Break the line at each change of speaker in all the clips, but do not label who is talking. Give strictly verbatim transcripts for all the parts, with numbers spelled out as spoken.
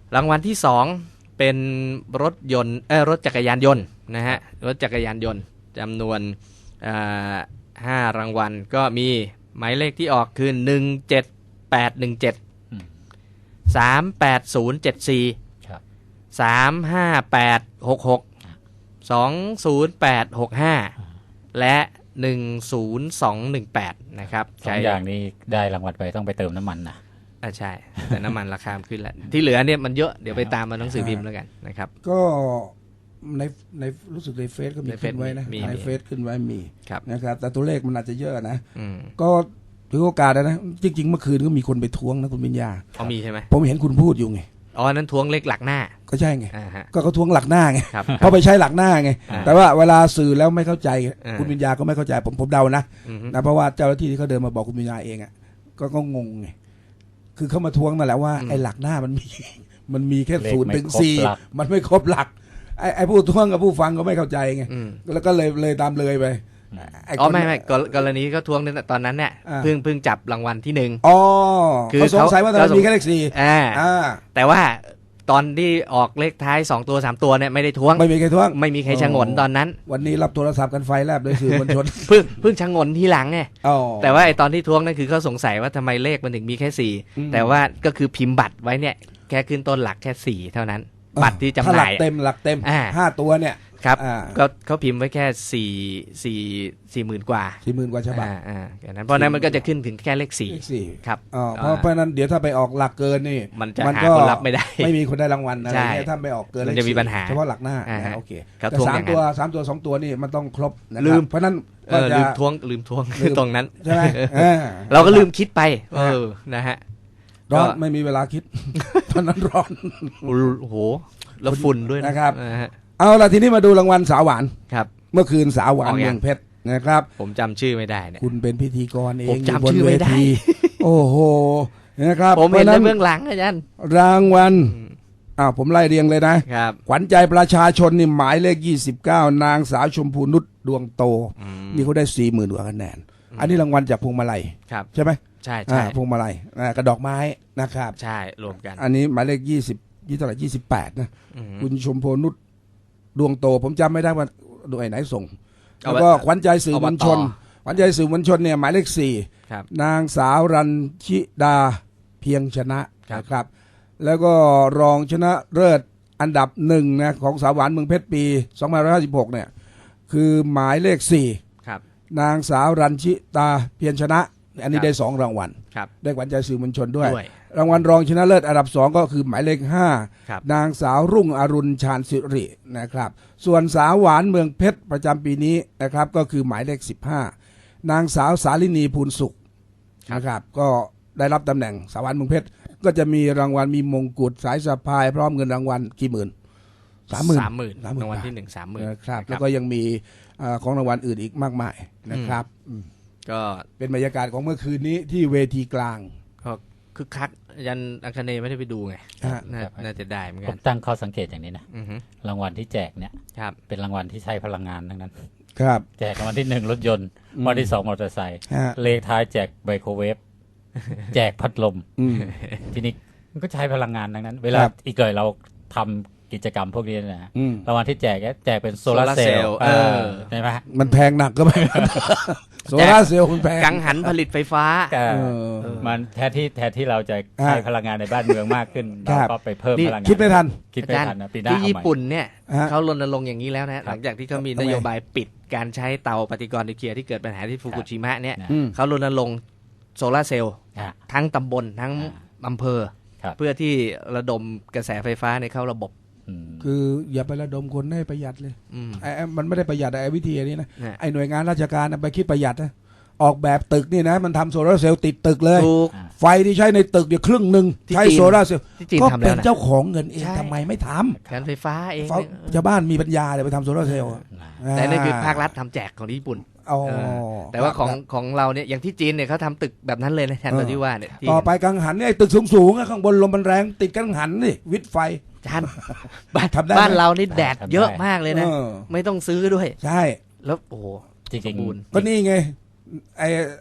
รางวัลที่สองเป็นรถยนต์เออรถจักรยานยนต์นะฮะรถจักรยานยนต์จำนวนห้ารางวัลก็มีหมายเลขที่ออกคือหนึ่งเจ็ดแปดหนึ่งเจ็ดสามแปดศูนย์เจ็ดสี่สามห้าแปดหกหกสองศูนย์แปดหกห้าและหนึ่งศูนย์สองหนึ่งแปดนะครับ
สองอย่างนี้ได้รางวัลไปต้องไปเติมน้ำมันนะ
อ่าใช่แต่น้ำมันราคาขึ้นแล้วที่เหลือเนี่ยมันเยอะเดี๋ยวไปตามมาหนังสือพิมพ์แล้วกันนะครับ
ก็ในในรู้สึกในเฟซก็มีขึ้นไว้นะในเฟซขึ้นไว้มีนะครับแต่ตัวเลขมันอาจจะเยอะนะก็ถือโอกาสนะจริงๆเมื่อคืนก็มีคนไปท้วงนะคุณวิญญา
อ๋อมีใช่ไหม
ผมเห็นคุณพูดอยู่ไง
อ๋อนั้นท้วงเลขหลักหน้า
ก็ใช่ไงก็เขาท้วงหลักหน้าไงเพราะไปใช้หลักหน้าไงแต่ว่าเวลาสื่อแล้วไม่เข้าใจคุณวิญญาก็ไม่เข้าใจผมผมเดานะนะเพราะว่าเจ้าหน้าที่ที่เขาเดินมาบอกคุณวิญญาเองอ่ะก็ก็งงไงคือเขามาท้วงมาแล้วว่าไอ้หลักหน้ามันมีมันมีแค่ศูนย์ถึงสี่มันไม่ครบหลักไอ้ไอ้ผู้ท้วงกับผู้ฟังก็ไม่เข้าใจไงแล้วก็เลยเลยตามเลยไป
อ๋อไม่ไม่กรณีก็ท้วงตอนนั้นเนี่ยเพิ่งเพิ่งจับรางวัลที่หนึ่ง
อ๋อคือเขาสงสัยว่าตอนนั้นมีแค่เลขสี่
อ่าแต่ว่าตอนที่ออกเลขท้ายสองตัวสามตัวเนี่ยไม่ได้ท้วง
ไม่มีใครท้วง
ไม่มีใครชะงนตอนนั้น
วันนี้รับโทรศัพท์กันไฟแลบเลยสื่อมวลชน
เพิ่งเพิ่งชะงนทีหลังไงแต่ว่าไอ้ตอนที่ท้วงนั่นคือเขาสงสัยว่าทำไมเลขมันถึงมีแค่สี่แต่ว่าก็คือพิมพ์บัตรไว้เนี่ยแค่ขึ้นต้นหลักแค่สี่เท่านั้นบัตรที่จำหน่ายห
ลักเต็มหลักเต็มห้าตัวเนี่ย
ครับก็เขาพิมพ์ไว้แค่สี่สี่สี่หมื่นกว่า
สี่หมื่นกว่าฉบับ
อ่าอ่านั้นเพราะนั้นมันก็จะขึ้นถึงแค่เลขสี่ครับ
อ๋อเพราะเพราะนั้นเดี๋ยวถ้าไปออกหลักเกินนี่
มันจะหาคนรับไม่ได้
ไม่มีคนได้รางวัลอะไรเงี้ยถ้าไปออกเกิน
มันจะมีปัญหา
เฉพาะหลักหน้าโอเคแต่สามตัวสามตัวสองตัวนี่มันต้องครบลืม
เพราะนั้นลืมทวงลืมทวงตรงนั้น
ใช่ไหม
เราก็ลืมคิดไปเออนะฮะ
ร้อนไม่มีเวลาคิดตอนนั้นร้อน
โอ้โหแล้วฝุ่นด้วย
นะครับเอาละทีนี้มาดูรางวัลสาวหวาน
ครับ
เมื่อคืนสาวหวานเมืองเพชรนะครับ
ผมจำชื่อไม่ได้เนี่ย
คุณเป็นพิธีกรเอง
ผมจำชื่อไม่ได้
โอ้โหนะครับ
ผมเห็นในเบื้องหลังอาจารย์
รางวัลอ้าวผมไล่เรียงเลยนะครับขวัญใจประชาชนนี่หมายเลขยี่สิบเก้านางสาวชมพูนุชดวงโตนี่เขาได้สี่หมื่นกว่าคะแนนอันนี้รางวัลจากพวงมาลัยใช่ไหม
ใช่ใช่
พวงมาลัยกระดอกไม้นะครับ
ใช่รวมกัน
อันนี้หมายเลขยี่สิบยี่เท่าไหร่ยี่สิบแปดนะคุณชมพูนุชดวงโตผมจำไม่ได้ว่าโดยไหนส่งแล้วก็ขวัญใจสื่อมวลชนขวัญใจสื่อมวลชนเนี่ยหมายเลขสี่นางสาวรัญชิดาเพียงชนะครับแล้วก็รองชนะเลิศอันดับหนึ่งนะของสาวหวานเมืองเพชรปีสองพันห้าร้อยห้าสิบหกเนี่ยคือหมายเลขสี่นางสาวรัญชิตาเพียงชนะอันนี้ได้สองรางวัลได้ขวัญใจสื่อมวลชนด้วยรางวัลรองชนะเลิศอันดับสองก็คือหมายเลขห้านางสาวรุ่งอรุณชาญสิรินะครับส่วนสาวหวานเมืองเพชรประจำปีนี้นะครับก็คือหมายเลขสิบห้านางสาวสาลินีภูลสุขนะครับก็ได้รับตำแหน่งสาวหวานเมืองเพชรก็จะมีรางวัลมีมงกุฎสายสะพายพร้อมเงินรางวัลกี่หมื่นสามหมื่น
สามหมื่นรางวัลที่หนึ่งสามหมื่น
ครับแล้วก็ยังมีของรางวัลอื่นอีกมากมายนะครับ
ก็
เป็นบรรยากาศของเมื่อคืนนี้ที่เวทีกลาง
ก็คึกคักยันอังคเนย์ไม่ได้ไปดูไงน่าจะได้เหมือนกัน
ผมตั้งข้อสังเกตอย่างนี้นะรางวัลที่แจกเนี่ยเป็นรางวัลที่ใช้พลังงานทั้งนั้น
ครับ
แจกรางวัลที่หนึ่งรถยนต์รางวัลที่สองมอเตอร์ไซค์เลขท้ายแจกไมโครเวฟแจกพัดลมทีนี้มันก็ใช้พลังงานทั้งนั้นเวลาอีกเกิดเราทำกิจกรรมพวกนี้นะรางวัลที่แจกแจกเป็นโซลาร์เซลล์ใช่ไหม
มันแพงหนักก็ไม่โซลาร์เซลล์มันแพง
กังหันผลิตไฟฟ้า
มันแทนที่แทนที่เราจะใช้พลังงานในบ้านเมืองมากขึ้นเราก็ไปเพิ่มพลังงาน
คิดไม่ทัน
คิดไม่ทันนะปีหน้า
ที่ญี่ปุ่นเนี่ยเขารณรงค์อย่างนี้แล้วนะหลังจากที่เขามีนโยบายปิดการใช้เตาปฏิกรณ์นิวเคลียร์ที่เกิดปัญหาที่ฟุกุชิมะเนี่ยเขารณรงค์โซลาร์เซลล์ทั้งตำบลทั้งอำเภอเพื่อที่ระดมกระแสไฟฟ้าในเข้าระบบ
คืออย่าไประดมคนให้ประหยัดเลยไอ้มันไม่ได้ประหยัดไอ้วิธีนี้นะไอ้หน่วยงานราชการไปคิดประหยัดนะออกแบบตึกนี่นะมันทำโซลาร์เซลล์ติดตึกเลยไฟที่ใช้ในตึกเดี๋ยวครึ่งหนึ่งใช้โซลาร์เซลล์ก็เป็นเจ้าของเงินเองทำไมไม่ท
ำการไฟฟ้าเอง
ชาวบ้านมีปัญญาเลยไปทำโซลาร์เซลล์
แต่นั่นคือภาครัฐทำแจกของญี่ปุ่นแต่ว่าของของเราเนี่ยอย่างที่จีนเนี่ยเขาทำตึกแบบนั้นเลยนะแทนตัวที่ว่าเนี่ย
ต่อไปกังหันเนี่ยตึกสูงๆข้างบนลมมันแรงติดกังหันนี่วิทย์ไฟ
จานบ้านบ้านเรานี่แดดเยอะมากเลยนะไม่ต้องซื้อด้วย
ใช่
แล้วโอ้
จริง
ๆก็นี่ไงไอ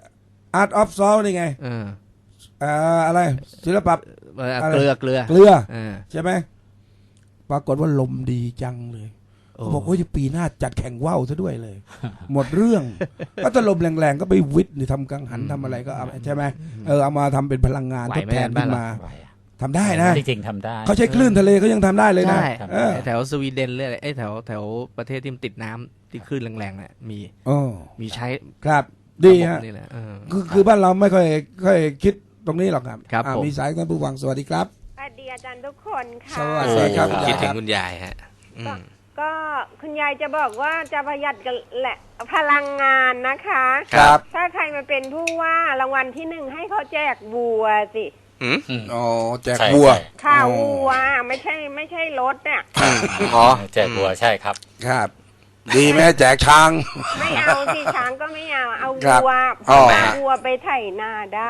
Art of Salt นี่ไงเอ่ออะไรศิลปะ
เกลือเกลือ
เกลือใช่ไหมปรากฏว่าลมดีจังเลยเขาบอกว่าปีหน้าจัดแข่งว่าวซะด้วยเลย หมดเรื่องก็ถ้าลมแรงๆก็ไปวิทย์หรือทำกังหันทำอะไรก็เอาใช่ไหมเออเอามาทำเป็นพลังงานทดแทนขึ้นมาทำได้นะ
จริงๆทำได้
เขาใช้คลื่นทะเลเขายังทำได้เลยนะ
แถวสวีเดนเลยไอ้แถวแถวประเทศที่มันติดน้ำที่คลื่นแรงๆเนี่ยมีมีใช้
ครับดีฮะคือคือบ้านเราไม่ค่อยค่อยคิดตรงนี้หรอกครับมีสายท่านผู้ฟังสวัสดีครับ
สวัสดีอาจารย์ทุกคนค่ะ
สวัสดีครับ
คิดถึงคุณยายฮะ
ก็คุณยายจะบอกว่าจะประหยัดกันแหละพลังงานนะคะ
ครับ
ถ้าใครมาเป็นผู้ว่ารางวัลที่หนึ่งให้เขาแจกวัวสิ
อ๋อแจกวัว
ข่าววัวไม่ใช่ไม่ใช่รถเนี่ย
อ๋อแจกวัวใช่ครับ
ครับดีไหมแจกช้าง
ไม่เอาสิช้างก็ไม่เอาเอาวัวเอาวัวไปไถนาได้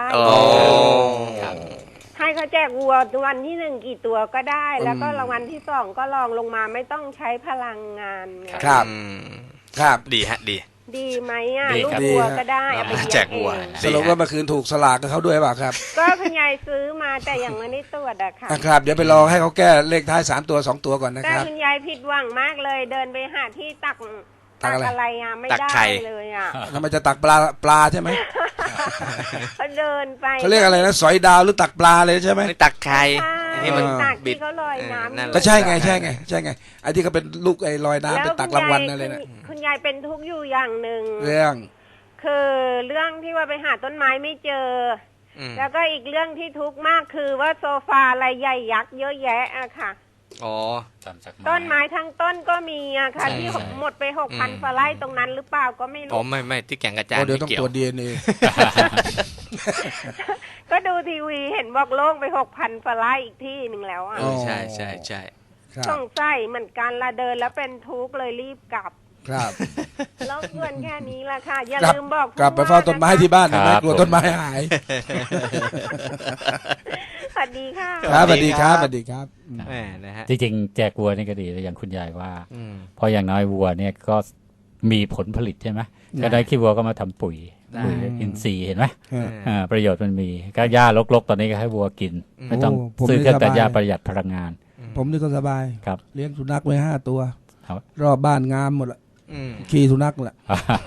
ให้เขาแจกวัววันที่หนึ่งกี่ตัวก็ได้แล้วก็รางวัลที่สองก็ลองลงมาไม่ต้องใช้พลังงาน
ครับครับ
ดีฮะดี
ดีไหมอ่ะลูกวัวก็ได้เอาไป
แจกวัว
สรุปว่าเมื่อคืนถูกสลากกับเขาด้วยเปล่าครับ
ก็คุณยายซื้อมาแต่ยังไม่ได้ตรวจอะค่ะ
ครับเดี๋ยวไปรอให้เขาแก้เลขท้ายสามตัวสองตัวก่อนนะครับ
แต่คุณยายผิดหวังมากเลยเดินไปหาที่ตักตักอะไรอ่ะไม่ได้เลยอ่ะ
ทำไมจะตักปลาปลาใช่ไหม
เขาเดินไป
เขาเรียกอะไรนะสอยดาวหรือตักปลาเลยใช่ไหม
ตักไข่
ที่มันบิดเขาลอยน้ำ
ก็ใช่ไงใช่ไงใช่ไงไอ้ที่เขาเป็นลูกไอ้ลอยน้ำไปตักรางวัลอะไรนะ
คุณยายเป็นทุกข์อยู่อย่างหนึ่ง
เรื่อง
คือเรื่องที่ว่าไปหาต้นไม้ไม่เจอแล้วก็อีกเรื่องที่ทุกข์มากคือว่าโซฟาอะไรใหญ่ยักษ์เยอะแยะอะค่ะ
อ๋อ
ต้นไม้ทั้งต้นก็มีอะค่ะที่หมดไปหกพันฟาไร่ตรงนั้นหรือเปล่าก็ไม่รู้
อ๋อไม่ไม่ที่แก่งกระจาน
เดี๋ยวต้องตรวจดีเอ็นเอ
ก็ดูทีวีเห็นบอกโล่งไปหกพันฟาไร่อีกที่หนึ่งแล้วอ่ะ
ใช่ใช่ใช่
สงสัยเหมือนกันละเดินแล้วเป็นทุกข์เลยรีบกลับ
ครับ
แล้วเพื่อนแค่นี้ละค่ะอย่าลืมบอก
กลับไปเฝ้าต้นไม้ที่บ้านนะกลัวต้นไม้หาย
สวัสดีค่ะ
ครับสวัสดีครับสวัสดีครับ
แหมนะฮะ
จริงๆแจกวัวนี่ก็ดีอย่างคุณยายว่าพออย่างน้อยวัวเนี่ยก็มีผลผลิตใช่ไหมก็ได้ขี้วัวก็มาทำปุ๋ยปุ๋ยอินทรีย์เห็นไหมประโยชน์มันมีก็หญ้ารกๆตอนนี้ก็ให้วัวกินไม่ต้องซื้อเครื่องตัดหญ้าประหยัดพลังงาน
ผมนี่ก็สบาย
ครับ
เลี้ยงสุนัขไว้ห้าตัวรอบบ้านงามหมดละขี่สุนัขแหละ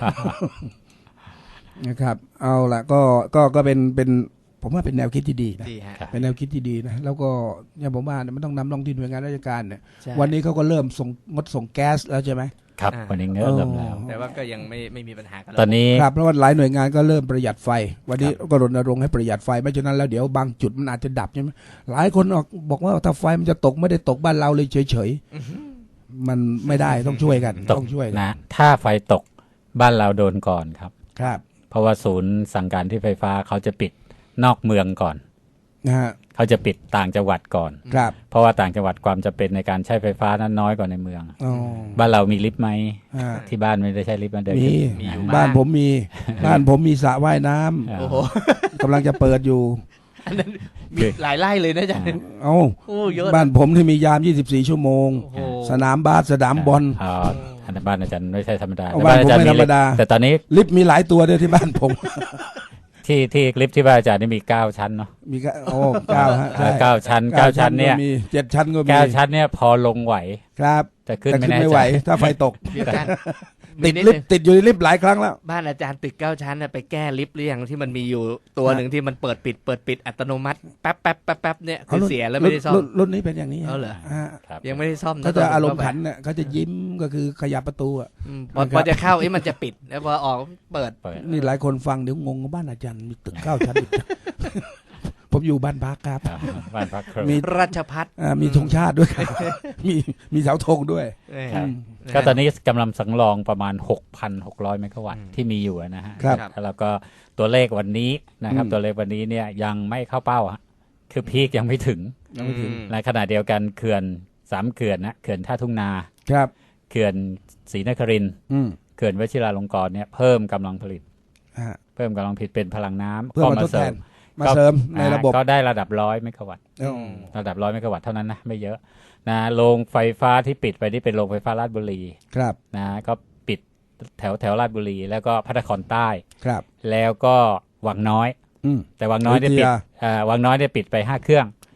นะครับเอาละก็ก็ก็เป็นเป็นผมว่าเป็นแนวคิดที่ดีนะเป็นแนวคิดที่ดีนะแล้วก็เนี่ยผมว่ามันต้องนำลงที่หน่วยงานราชการเนี่ยวันนี้เขาก็เริ่มส่งงดส่งแก๊สแล้วใช่ไหม
ครับวันนี้เริ่มแล้ว
แต่ว่าก็ยังไม่ไม่มีปัญหากัน
ตอนนี้
ครับเพราะว่าหลายหน่วยงานก็เริ่มประหยัดไฟวันนี้ก็รณรงค์ให้ประหยัดไฟไม่ฉะนั้นแล้วเดี๋ยวบางจุดมันอาจจะดับใช่ไหมหลายคนบอกว่าถ้าไฟมันจะตกไม่ได้ตกบ้านเราเลยเฉยๆมันไม่ได้ต้องช่วยกันต้องช่วย
นะถ้าไฟตกบ้านเราโดนก่อนครับ
ครับ
เพราะว่าศูนย์สั่งการที่ไฟฟ้าเขาจะปิดนอกเมืองก่อน
นะฮะ
เขาจะปิดต่างจังหวัดก่อน
ครับ
เพราะว่าต่างจังหวัดความจำเป็นในการใช้ไฟฟ้านั้นน้อยกว่าในเมืองบ้านเรามีลิฟต์ไหมที่บ้านไม่ได้ใช้ลิฟต์มันเดิน
มีบ้านผมมีบ้านผมมีสระว่ายน้ำกำลังจะเปิดอยู่
อันนั้นมีหลายไร่เลยนะจ๊ะ
เอ้าบ้านผมที่มียามยี่สิบสี่ชั่วโมงสนามบาสสนามบอล
อันนั้นบ้านอาจารย์ไม่ใช่ธรรมดา
บ้านผมไม่ธรรมดา
แต่ตอนนี้
ลิฟต์มีหลายตัวด้วยที่บ้านผม
ที่ที่ลิฟต์ที่บ้านอาจารย์นี่มีเก้าชั้นเนาะ
มีก็โอ้เก้าฮะ
เก้าชั้นเก้าชั้นเนี่ย
มีเจ็ดชั้นก็มี
เก้าชั้นเนี่ยพอลงไหว
ครับ
แต่ขึ้นไม่
ไหวถ้าไฟตกติดลิฟต์ติดอยู่ในลิฟต์หลายครั้งแล้ว
บ้านอาจารย์ตึกเก้าชั้นน่ะไปแก้ลิฟต์หรือยังที่มันมีอยู่ตัวหนึ่งที่มันเปิดปิดเปิดปิดอัตโนมัติแป๊บแป๊บแป๊บแป๊บเนี่ยคือเสียแล้วไม่ได้ซ่อม
รุ่นนี้เป็นอย่างนี้
เหรอยังไม่ได้ซ่อม
เขาจะอารมณ์ขันเนี่ยเขาจะยิ้มก็คือขยับประตูอ่ะ
พอจะเข้าไอ้มันจะปิดแล้วพอออกเปิด
นี่หลายคนฟังเดี๋ยวงงบ้านอาจารย์มีตึกเก้าชั้นผมอยู่บ้านพักครับ
บ้านพัก
มีราชพัฒน์
มีธงชาติด้วยมีมีเสาธงด้วย
ก็ตอนนี้กำลังสำรองประมาณ หกพันหกร้อย เมกะวัตต์ที่มีอยู่นะฮะแล้วก็ตัวเลขวันนี้นะครับตัวเลขวันนี้เนี่ยยังไม่เข้าเป้าฮะคือพีคยังไม่ถึงในขณะเดียวกันเขื่อนสามเขื่อนนะเขื่อนท่าทุ่งนา
ครับ
เขื่อนศรีนครินทร์เขื่อนวชิราลงกรณ์เนี่ยเพิ่มกำลังผลิตเพิ่มกำลังผลิตเป็นพลังน้ำ
ก็มาเสริมมาเสริมในระบบ
ก็ได้ระดับร้อยเมกะวัตต์ระดับร้อยเมกะวัตต์เท่านั้นนะไม่เยอะนะโรงไฟฟ้าที่ปิดไปนี่เป็นโรงไฟฟ้าราชบุรี
ครับ
นะก็ปิดแถวแถวราชบุรีแล้วก็พระนครใต้
ครับ
แล้วก็วังน้อยแต่วังน้อยได้ปิดวังน้อยได้ปิดไปห้าเครื่อง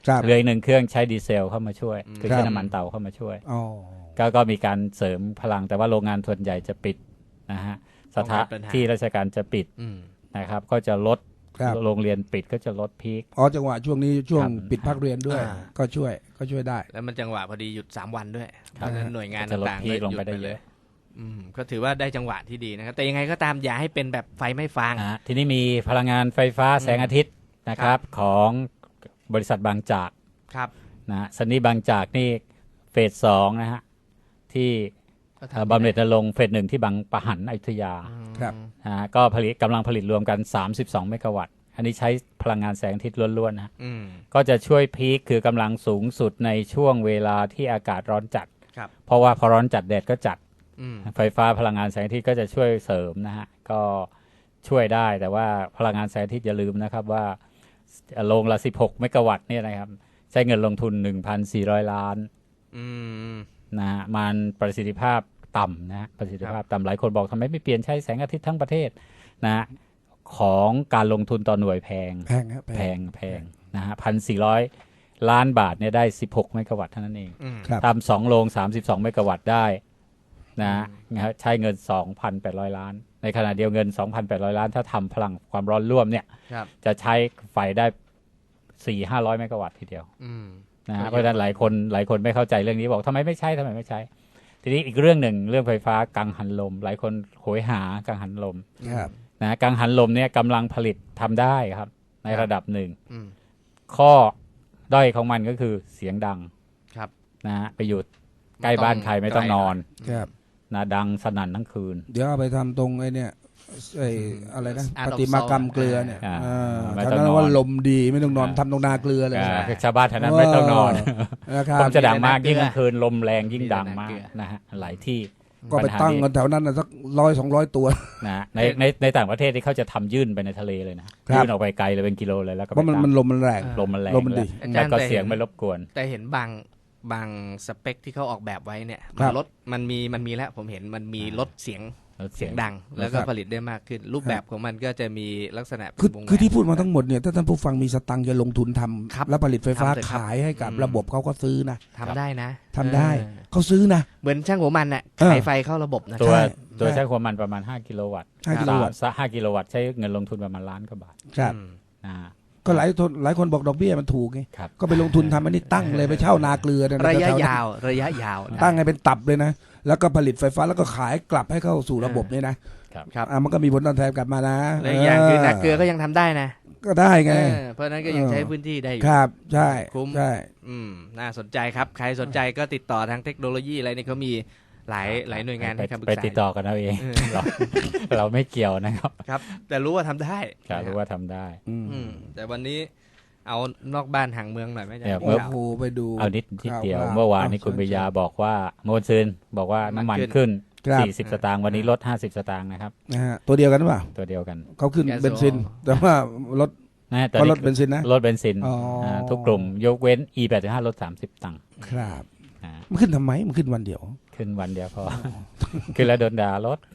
เรืออีกหนึ่งเครื่องใช้ดีเซลเข้ามาช่วยคือใช้น้ำมันเตาเข้ามาช่วยก็ก็มีการเสริมพลังแต่ว่าโรงงานส่วนใหญ่จะปิดนะฮะสถานที่ราชการจะปิดนะครับก็จะลดโรงเรียนปิดก็จะลดพีค
อ๋อจังหวะช่วงนี้ช่วงปิดภาคเรียนด้วยก็ช่วยก็ช่วยได้
แล้วมันจังหวะพอดีหยุดสามวันด้วยเพราะฉะนั้นหน่วยงานต่างๆ
ลงไปได้เลย
อืมก็ถือว่าได้จังหวะที่ดีนะครับแต่ยังไงก็ตามอย่าให้เป็นแบบไฟไม่ฟาง
ทีนี้มีพลังงานไฟฟ้าแสงอาทิตย์นะครับของบริษัทบางจาก
ครับ
นะสนีบางจากนี่เฟสสองนะฮะที่บำเหน็จนรงค์เฟสหนึ่งที่บางปะหันอยุธยา
ครับ
นะก็ผลิตกำลังผลิตรวมกันสามสิบสองเมกะวัตต์อันนี้ใช้พลังงานแสงอาทิตย์ล้วนๆนะก็จะช่วยพีคคือกำลังสูงสุดในช่วงเวลาที่อากาศร้อนจัดเพราะว่าพอร้อนจัดแดดก็จัดไฟฟ้าพลังงานแสงอาทิตย์ก็จะช่วยเสริมนะฮะก็ช่วยได้แต่ว่าพลังงานแสงอาทิตย์อย่าลืมนะครับว่าโรงละสิบหกเมกะวัตต์เนี่ยนะครับใช้เงินลงทุน หนึ่งพันสี่ร้อย ล้านนะฮะมันประสิทธิภาพต่ำนะประสิทธิภาพต่ำหลายคนบอกทำไมไม่เปลี่ยนใช้แสงอาทิตย์ทั้งประเทศนะของการลงทุนต่อหน่วยแพง
แพง
แพงแพงนะฮะพันสี่ร้อยล้านบาทเนี่ยได้สิบหกเมกะวัตต์เท่านั้นเองทำสองโรงสามสิบสองเมกะวัตต์ได้นะใช้เงิน สองพันแปดร้อย ล้านในขณะเดียวเงิน สองพันแปดร้อย ล้านถ้าทำพลังความร้อนร่วมเนี่ยจะใช้ไฟได้ สี่ถึงห้าร้อย เมกะวัตต์ทีเดียวนะฮะเพราะฉะนั้นหลายคนหลายคนไม่เข้าใจเรื่องนี้บอกทำไมไม่ใช้ทำไมไม่ใช้ทีนี้อีกเรื่องหนึ่งเรื่องไฟฟ้ากังหันลมหลายคนโหยหากังหันลมนะกังหันลมเนี่ยกำลังผลิตทำได้ครับในระดับหนึ่งข้อด้อยของมันก็คือเสียงดังนะฮะไปอยู่ใกล้บ้านใครไม่ต้องนอนนะดังสนั่นทั้งคืน
เดี๋ยวเอาไปทำตรงไอ้เนี่ยไอ้อะไรนะประติมากรรมเกลือเนี่ยฉะนั้นว่าลมดีไม่ต้องนอนทำตรงนาเกลือเลย
ชาวบ้านแถวนั้นไม่ต้องนอนผมจะดังมากยิ่งกลางคืนลมแรงยิ่งดังมากนะฮะหลายที่
ก็ไปตั้งกันแถวนั้นสักร้อยสองร้อยตัว
นะในในในต่างประเทศที่เขาจะทำยื่นไปในทะเลเลยนะยื่นออกไปไกลเลยเป็นกิโลเลยแล้วก็
เพราะมันมันลมมันแรง
ลมมันแรง
ลมมันดี
แล้วก็เสียงไม่รบกวน
แต่เห็นบางบางสเปคที่เขาออกแบบไว้เนี่ยรถมันมีมันมีแล้วผมเห็นมันมีลดเสียงเสียงดังแล้วก็ผลิตได้มากขึ้นรูปแบบของมันก็จะมีลักษณะ
คือคือที่พูดมาทั้งหมดเนี่ยถ้าท่านผู้ฟังมีสตังค์จะลงทุนทำแล้วผลิตไฟฟ้าขายให้กับระบบเขาก็ซื้อนะ
ทำได้นะ
ทำได้เขาซื้อนะ
เหมือนช่างหัวมันน่ะขายไฟเข้าระบบนะ
ตัวตัวช่างหัวมันประมาณห้ากิโลวัตต์ห้ากิโลวัตต์ห้ากิโลวัตต์ใช้เงินลงทุนประมาณล้านกว่าบาท
ครับก็หลายคนหลายคนบอกดอกเบี้ยมันถูกไงก็ไปลงทุนทำอันนี้ตั้งเลยไปเช่านาเกลือ
ระยะยาวระยะยาว
ตั้งให้เป็นตับเลยนะแล้วก็ผลิตไฟฟ้าแล้วก็ขายกลับให้เข้าสู่ระบบเนี่ยนะครับมันก็มีผลตอบแทนกลับมานะ
และอย่างคือนาเกลือก็ยังทำได้นะ
ก็ได้ไง
เพราะนั้นก็ยังใช้พื้นที่ได้อยู่
ครับใช่คุ้ม
ใช่อืมน่าสนใจครับใครสนใจก็ติดต่อทางเทคโนโลยีอะไรนี่เขามีหลายหลายหน่วยงานให้คำปรึกษา
ไปติดต่อกันเอาเองเราเราไม่เกี่ยวนะครับ
ครับแต่รู้ว่าทำได้
รู้ว่าทำได้
แต่วันนี้เอานอกบ้านห่างเมืองหน่อยไหมจ๊ะ
เมื่อโอ้ไปดู
เอานิดทีเดียวเมื่อวานนี้คุณปิยาบอกว่าโมนซึนบอกว่าน้ำมันขึ้นสี่สิบสตางค์วันนี้ลดห้าสิบสตางค์นะครับ
นะฮะตัวเดียวกันหรือเปล่า
ตัวเดียวกัน
เขาขึ้นเบนซินแต่ว่าลดก็ลดเบนซินนะ
ลดเบนซินทุกกลุ่มยกเว้น อี แปดสิบห้า ลดสามสิบตังค์
ครับมันขึ้นทำไมมันขึ้นวันเดียว
ขึ้นวันเดียวพอขึ้นแล้วโดนด่าลด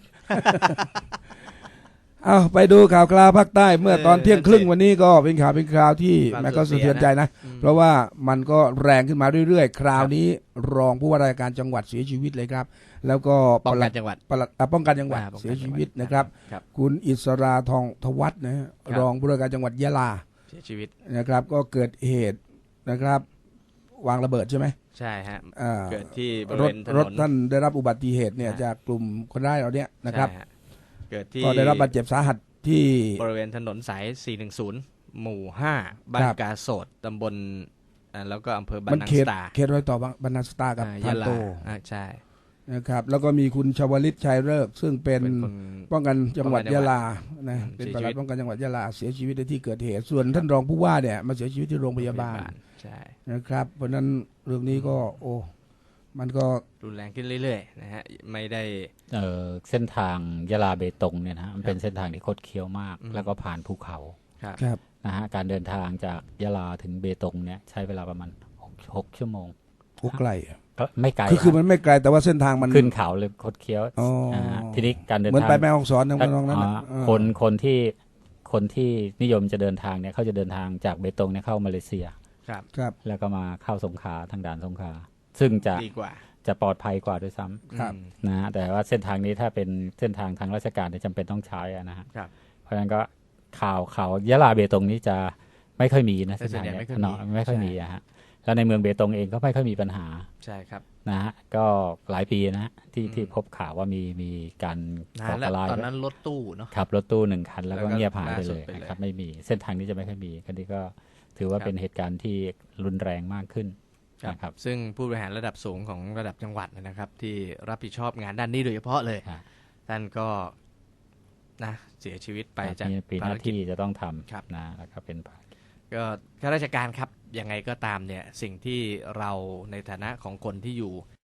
เอาไปดูข่าวคราวภาคใต้เมื่อตอนเที่ยงครึ่งวันนี้ก็เป็นข่าวเป็นคราวที่แม่ก็สะเทือนใจนะเพราะว่ามันก็แรงขึ้นมาเรื่อยๆคราวนี้รองผู้ว่าราชการจังหวัดเสียชีวิตเลยครับแล้วก็
ป้องกันจังหวัด
ป้องกันจังหวัดเสียชีวิตนะครับคุณอิสราทองทวัฒน์นะรองผู้ว่าราชการจังหวัดยะลา
เสียชีวิต
นะครับก็เกิดเหตุนะครับวางระเบิดใช่ไหม
ใช่ฮะเกิดที่บริ
เว
ณถ
นนรถท่านได้รับอุบัติเหตุเนี่ยจากกลุ่มคนร้ายเราเนี่ยนะครับ
เกิดที่
ก็ได้รับบาดเจ็บสาหัสที่
บริเวณถนนสายสี่หนึ่งศูนย์หมู่ห้าบ้านกาโสดตำบลแล้วก็อำเภอบรรนังสตา
เขตรอยต่อบรรนังสตากับ
พานโตใช่
นะครับแล้วก็มีคุณชวลิตชัยฤกษ์ซึ่งเป็นป้องกันจังหวัดยะลานะเป็นปลัดป้องกันจังหวัดยะลาเสียชีวิตในที่เกิดเหตุส่วนท่านรองผู้ว่าเนี่ยมาเสียชีวิตที่โรงพยาบาล
ใช่
นะครับเพราะนั้นเรื่องนี้ก็โอ้มันก็
รุนแรงขึ้นเรื่อยๆนะฮะไม่ได้
เอ่อเส้นทางยะลาเบตงเนี่ยนะมันเป็นเส้นทางที่คดเคี้ยวมากแล้วก็ผ่านภูเขา
ครับ
นะฮะการเดินทางจากยะลาถึงเบตงเนี่ยใช้เวลาประมาณหกชั่วโมง
โอ้ไกล
ก็ไม่ไกล
คือคือมันไม่ไกลแต่ว่าเส้นทางมัน
ขึ้นเขาเลยคดเคี้ยวทีนี้การเดินทางเหมื
อนไปแม่ฮ่องสอนตรงนั้น
คนคนที่คนที่นิยมจะเดินทางเนี่ยเขาจะเดินทางจากเบตงเนี่ยเข้ามาเลเซีย
ครับ
ครับ
แล้วก็มาเข้าสงขลาทางด่านสงขลาซึ่งจะ
ดีกว่า
จะปลอดภัยกว่าด้วยซ้
ครับ
ำนะฮะแต่ว่าเส้นทางนี้ถ้าเป็นเส้นทางทางราชการเนี่ยจำเป็นต้องใช้อะนะฮะ
ครับ
เพราะฉะนั้นก็ข่าวข่าวยะลาเบตงนี้จะไม่ค่อยมีนะ
แต่
เส้น
ส่วน
ทาง
ใหญ่
เนี้
ไม่ค่อยมี
เนาะไม่ค่อย
ใช่
มีอะฮะแล้วในเมืองเบตงเองก็ไม่ค่อยมีปัญหา
ใช่ครับ
นะฮะก็หลายปีนะฮะที่
อืม
ที่พบข่าวว่ามีมีการ
นา
ก่อน
แล้ว
การร้าย
ตอนนั้นรถตู้เนาะ
ขับรถตู้หนึ่งคันแล้วก็
แล้วก็
เงียบหายไป
ล่าสุ
เล
ด
ย
ไปเลย
นะครับไม่มีเส้นทางนี้จะไม่ค่อยมีคันนี้ก็ถือว่า
ครับ
เป็นเหตุการณ์ที่รุนแรงมากขึ้น
ครับ
นะครับ
ซึ่งผู้บริหารระดับสูงของระดับจังหวัดนะครับ ที่รับผิดชอบงานด้านนี้โดยเฉพาะเลย
ฮะ
ท่านก็นะเสียชีวิตไปจาก
มีปีห
ภาร
น้า
กิจ
ที่จะต้องท
ครับ
ำนะแล้วก็เป็นภารกิจ
ก็ข้าราชการครับยังไงก็ตามเนี่ยสิ่งที่เราในฐานะของคนที่อยู่